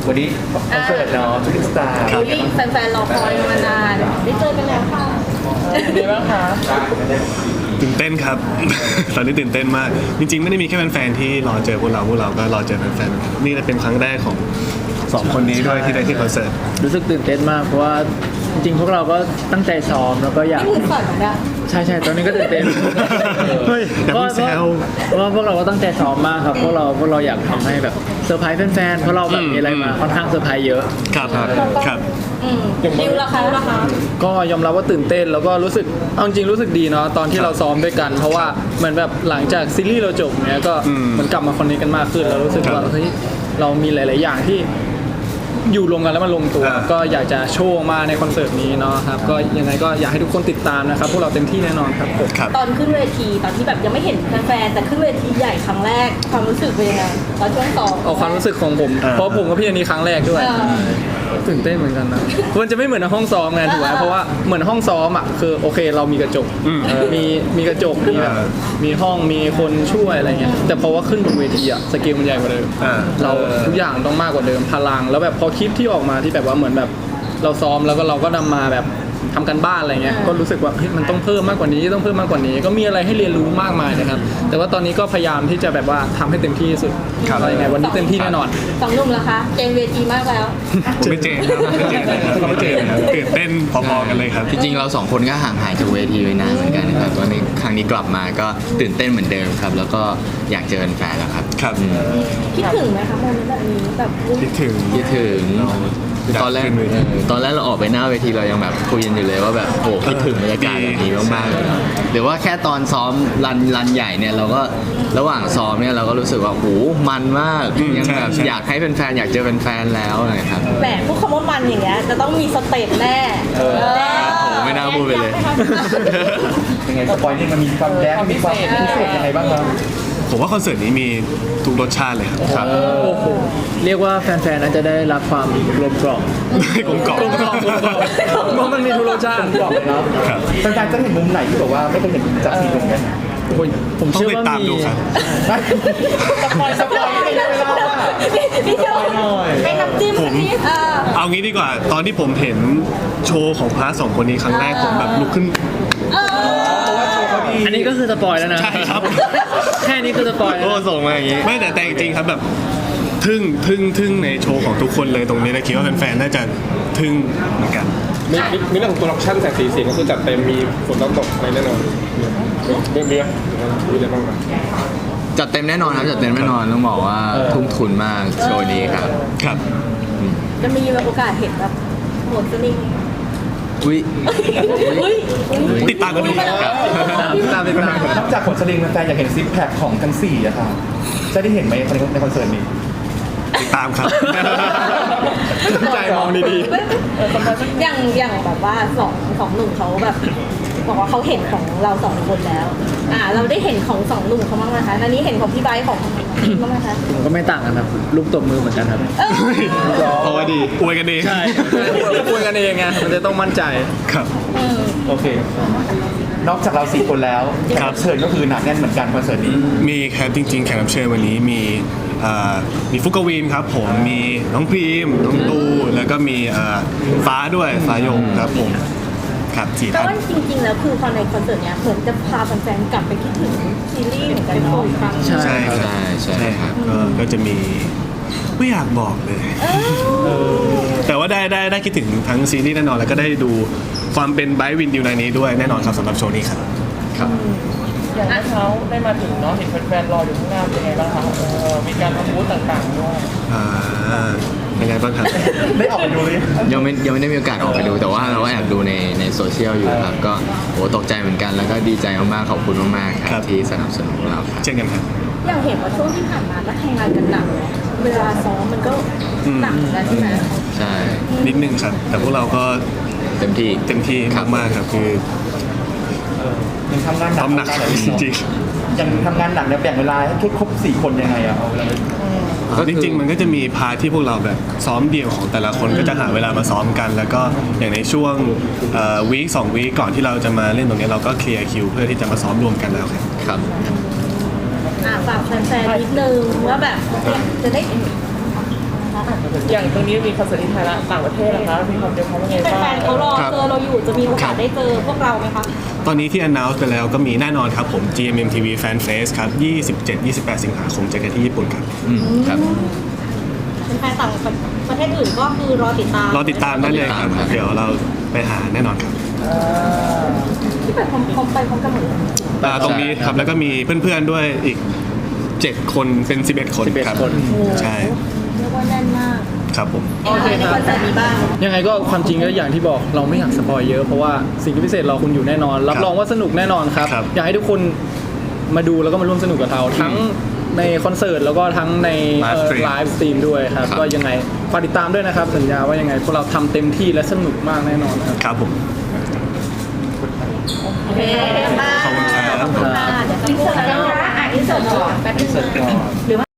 วันนี้คอนเสิร์ตเนาะชูริงสตาร์ที่แฟนๆรอคอยมานานได้เจอกันแล้วค่ะเป็นไงบ้างคะตื่นเต้นครับ ตอนนี้ตื่นเต้นมากจริงๆไม่ได้มีแค่แฟนๆที่รอเจอพวกเราก็รอเจอแฟนๆนี่เป็นครั้งแรกของสองคนนี้ด้วยที่ได้ที่คอนเสิร์ตรู้สึกตื่นเต้นมากเพราะว่าจริงๆพวกเราก็ตั้งใจซ้อมแล้วก็อยากนี่มือสั่นนะใช่ตอนนี้ก็ตื่นเต้นเฮ้ยแต่พี่แซวเพราะว่าพวกเราก็ตั้งใจซ้อมมากครับพวกเราอยากทำให้แบบเซอร์ไพรส์แฟนๆเพราะเราแบบมีอะไรมาค่อนข้างเซอร์ไพรส์เยอะครับครับดิวราคาก็ยอมรับว่าตื่นเต้นแล้วก็รู้สึกเอาจริงรู้สึกดีเนาะตอนที่เราซ้อมด้วยกันเพราะว่าเหมือนแบบหลังจากซีรีส์เราจบเนี้ยก็เหมือนกลับมาคอนเนคกันมากขึ้นแล้วรู้สึกว่าเฮ้ยเรามีหลาย ๆ อย่างที่อยู่รวมกันแล้วมันลงตัว ก็อยากจะโชว์มาในคอนเสิร์ตนี้เนาะครับก็ยังไงก็อยากให้ทุกคนติดตามนะครับพวกเราเต็มที่แน่นอนครับผมครับตอนขึ้นเวทีตอนที่แบบยังไม่เห็นแฟนๆแต่ขึ้นเวทีใหญ่ครั้งแรกความรู้สึกเป็นยังไงตอนช่วงซ้อมเอาความรู้สึกของผมเพราะผมกับพี่อันนี้ครั้งแรกด้วยตื่นเต้นเหมือนกันนะมันจะไม่เหมือนในห้องซ้อมไงถูกไหมเพราะว่าเหมือนห้องซ้อมอ่ะคือโอเคเรามีกระจกมีกระจกมีแบบมีห้องมีคนช่วยอะไรเงี้ยแต่พอว่าขึ้นบนเวทีอ่ะสเกลมันใหญ่กว่าเดิมเราทุกอย่างต้องมากกว่าเดิมพลังแล้วแบบพอคลิปที่ออกมาที่แบบว่าเหมือนแบบเราซ้อมแล้วก็เราก็นำมาแบบทำกันบ้านอะไรเงี้ยก็รู้สึกว่าเฮ้ยมันต้องเพิ่มมากกว่านี้ต้องเพิ่มมากกว่านี้ก็มีอะไรให้เรียนรู้มากมายนะครับแต่ว่าตอนนี้ก็พยายามที่จะแบบว่าทำให้เต็มที่ที่สุดอะไรไงวันนี้เต็มที่แน่นอนสองหนุ่มล่ะคะเจมเวทีมากแล้วผมไม่เจนครับไม่เจนครับตื่นเต้นพอๆกันเลยครับจริงๆเราสองคนก็ห่างหายจากเวทีไปนานเหมือนกันนะครับตอนนี้ครั้งนี้กลับมาก็ตื่นเต้นเหมือนเดิมครับ แล้วก็อยากเจอแฟนแล้วครับครับคิดถึงไหมคะโมเมนต์แบบนี้แบบคิดถึงคิดถึงตอนแรกเราออกไปหน้าเวทีเรายังแบบคุยกันอยู่เลยว่าแบบโอ้คิดถึงบรรยากาศแบบนี้มากๆเลยนะหรือว่าแค่ตอนซ้อมรันใหญ่เนี่ยเราก็ระหว่างซ้อมเนี่ยเราก็รู้สึกว่าโอ้มันมากยังแบบอยากให้แฟนๆอยากเจอแฟนๆแล้วนะครับแหมพูดคำว่ามันอย่างเงี้ยจะต้องมีสเต็ปแน่โอ้ไม่น่าพูดไปเลยยังไงสปอยนี่มันมีความแดนมีความพิเศษยังไงบ้างครับผมว่าคอนเสิร์ตนี้มีทุกรสชาติเลยครับโอ้โหเรียกว่าแฟนๆน่าจะได้รับความกลมกล่อมกลมกล่อมเพราะมันมีทุกรสชาติบอกเลยเนาะครับแฟนๆจะเห็นมุมไหนที่แบบว่าไม่เคยเห็นจากซีรีส์เนี่ยผมต้องเชื่อติดว่าตามมีดูครับสปอยไม่ได้เวลาพี่โจให้น้ำจิ้มผมนี่เอางี้ดีกว่า ตอนที่ผมเห็นโชว์ของพาร์ทสองคนนี้ครั้งแรกผมแบบลุกขึ้นอันนี้ก็คือสปอยแล้วนะใช่ครับแค่นี้คือสปอยแล้วโอ้นะส่งมาอย่างนี้ไม่แต่จริงๆครับแบบทึ่งในโชว์ของทุกคนเลยตรงนี้นะคิดว่าแฟนๆน่าจะทึ่งเหมือนกันมีเรื่องของโปรดักชั่นแสงสีเสียงก็คือจัดเต็มมีฝนตกอะไรแน่นอนมีอะไรบ้างครับจัดเต็มแน่นอนครับจัดเต็มแน่นอนต้องบอกว่าทุ่มทุนมากโชว์นี้ครับครับจะมีแบบโอกาสเห็นแบบหมดสลิงอุ้ยติดตามกันดูครับตามไปตามนอกจากผลสลิงแฟนๆอยากเห็นซิปแพคของทั้ง4อะค่ะจะได้เห็นไหมในคอนเสิร์ตนี้ติดตามครับใจมองดีอย่างแบบว่าสองหนุ่มเขาแบบบอกว่าเขาเห็นของเราสองคนแล้วเราได้เห็นของสองหนุ่มเขาบ้างไหมคะอันนี้เห็นของพี่ไบร์ทของบ้างไหมคะผมก็ไม่ต่างกันครับลูกตบมือเหมือนกันครับเพราะว่าดีอวยกันเองใช่ๆคุยกันเองไงมันจะต้องมั่นใจครับโอเค นอกจากเรา4คนแล้วแขกรับเชิญก็คือหนาแน่นเหมือนกันคอนเสิร์ตนี้มีครับจริงๆแขกรับเชิญวันนี้มีฟุกกวินครับผมมีน้องพรีมน้องตูแล้วก็มีฟ้าด้วยฟ้ายงครับผมครับสี่แต่ท่านว่าจริงๆแล้วคือพอในคอนเสิร์ตเนี้ยเหมือนจะพาแฟนๆกลับไปคิดถึงซีรีส์เหมือนกันเนาะอีกครั้งใช่ใช่ครับใช่ใช่ครับก็จะมีไม่อยากบอกเลย แต่ว่าได้คิดถึงทั้งซีรีส์แน่นอนแล้วก็ได้ดูความเป็นไบรท์วินดิวในนี้ด้วยแน่นอนครับสำหรับโชว์นี้ครับอย่างเมื่อเช้าได้มาถึงเนาะเห็นแฟนๆรออยู่ข้างหน้าเป็นไงบ้างคะมีการทำบูธต่างๆด้วยเป็นไงบ้างครับได้ออกไปดูเลยยังไม่ได้มีโอกาสออกไปดู แต่ว่าเราก็แอบดูในโซเชียลอยู่ครับก็โหตกใจเหมือนกันแล้วก็ดีใจมากๆขอบคุณมากๆคครัรับบ ที่สนับสนุนเราครับเช่นกันครับอย่างเห็นว่าช่วงที่ผ่านมาก็ทำงานกันหนักเนอะเวลาซ้อมมันก็หนักเหมือนกันใช่ไหมใช่นิดนึงครับ แต่พวกเราก็เต็มที่เต็มที่มากๆครับคือยังทำงานหนักทำหนักจริงยังทำงานหนักเนี่ยแบ่งเวลาให้ทุกครบ4คนยังไงอะเอาเวลาไปจริงๆมันก็จะมีพาร์ทที่พวกเราแบบซ้อมเดี่ยวของแต่ละคนก็จะหาเวลามาซ้อมกัน แล้วก็อย่างในช่วงวีค2 วีคก่อนที่เราจะมาเล่นตรงนี้เราก็เคลียร์คิวเพื่อที่จะมาซ้อมรวมกันแล้วครับครับฝากแฟนๆนิดนึงว่าแบบจะได้อย่างตรงนี้มีคอนเสิร์ตที่ไทยละต่างประเทศนะคะมีความเตรียมพร้อมยังไงบ้างแฟนๆเขารอเจอเราอยู่จะมีโอกาสได้เจอพวกเราไหมคะตอนนี้ที่ announce ไปแล้วก็มีแน่นอนครับผม GMMTV Fan Fest ครับ 27-28 สิงหาคมเจอกันที่ญี่ปุ่นครับครับแฟนๆต่างประเทศอื่นก็คือรอติดตามรอติดตามได้เลยครับ เดี๋ยวเราไปหาแน่นอนครับที่ไปพร้อมไปพร้อมกันหมดเลยตรงนี้ครับแล้วก็มีเพื่อนๆด้วยอีก 7 คนเป็น 11 คนครับ 11 คนใช่เรียกว่าแน่นมากครับผมโอเคในคอนเสิร์ตนี้บ้างยังไงก็ความจริงก็อย่างที่บอกเราไม่อยากสปอยเยอะเพราะว่าสิ่งที่พิเศษรอคุณอยู่แน่นอน รับรองว่าสนุกแน่นอนครับครับอยากให้ทุกคนมาดูแล้วก็มาร่วมสนุกกับเราทั้งในคอนเสิร์ตแล้วก็ทั้งใน Live stream ไลฟ์สตรีมด้วยครับครับก็ยังไงฝากติดตามด้วยนะครับ สัญญาว่ายังไงพวกเราทำเต็มที่และสนุกมากแน่นอนครับครับผมโอเคมากขอบคุณครับขอบคุณค่ะเดี๋ยวจะพูดแล้วอินเสิร์ตก่อนแป๊บนึงหรือว่า